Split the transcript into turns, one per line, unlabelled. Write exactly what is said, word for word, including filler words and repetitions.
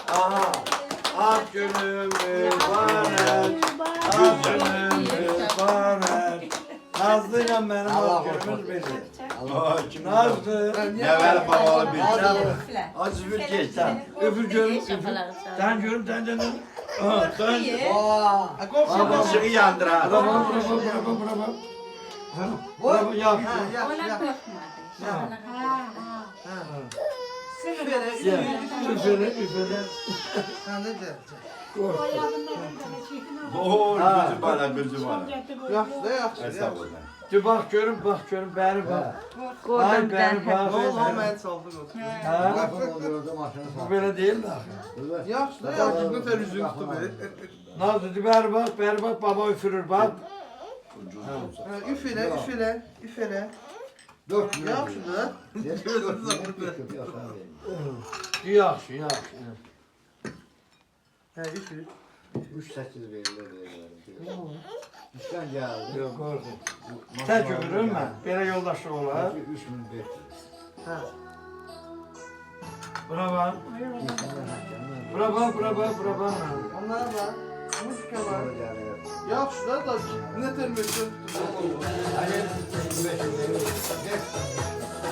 Aha. Ak gönül mübarek. Ak gönül mübarek. Nazlı'yla benim ak gönlümüz bilir. Nazlı.
Ne ver babalı bir
Acı bir geç sen. Öpür görüm, öpür. Sen görüm, sen de ne? Ha, sen.
Işığı yandır ha.
Bravo, bravo, bravo, bravo. Bravo, yap. Gel, üfele, üfele.
Oo, gözüm bana, gözüm bana.
Yaxşı da, yaxşı.
Estağfurullah.
Dur bak görüm, bak görüm, beri bak. Ay beri bak.
Ne oldu, mən çaldı qoçum.
Ha? Bu böyle değil de.
Yaxşı da, yaxşı. Bu tər üzüm tutdu belə.
Nazlı, dur beri bak, beri bak, baba üfürür bak.
Üf elə, üf elə, üf elə. Yaxşı da.
Yaxşı, yaxşı.
Hə, üf elə.
üç sekiz verirler. İşten geldi.
Yok, korkun. Tek ömrüm ben. Böyle yoldaşlık olar.
üç bin beş yüz.
Hə.
Buna bak. Buna bak, buna bak, buna bak.
Onlara bax. Muşka var. Yaxşı da, da nə tər məsəl tutdu.
Hayır, beş yüz verir.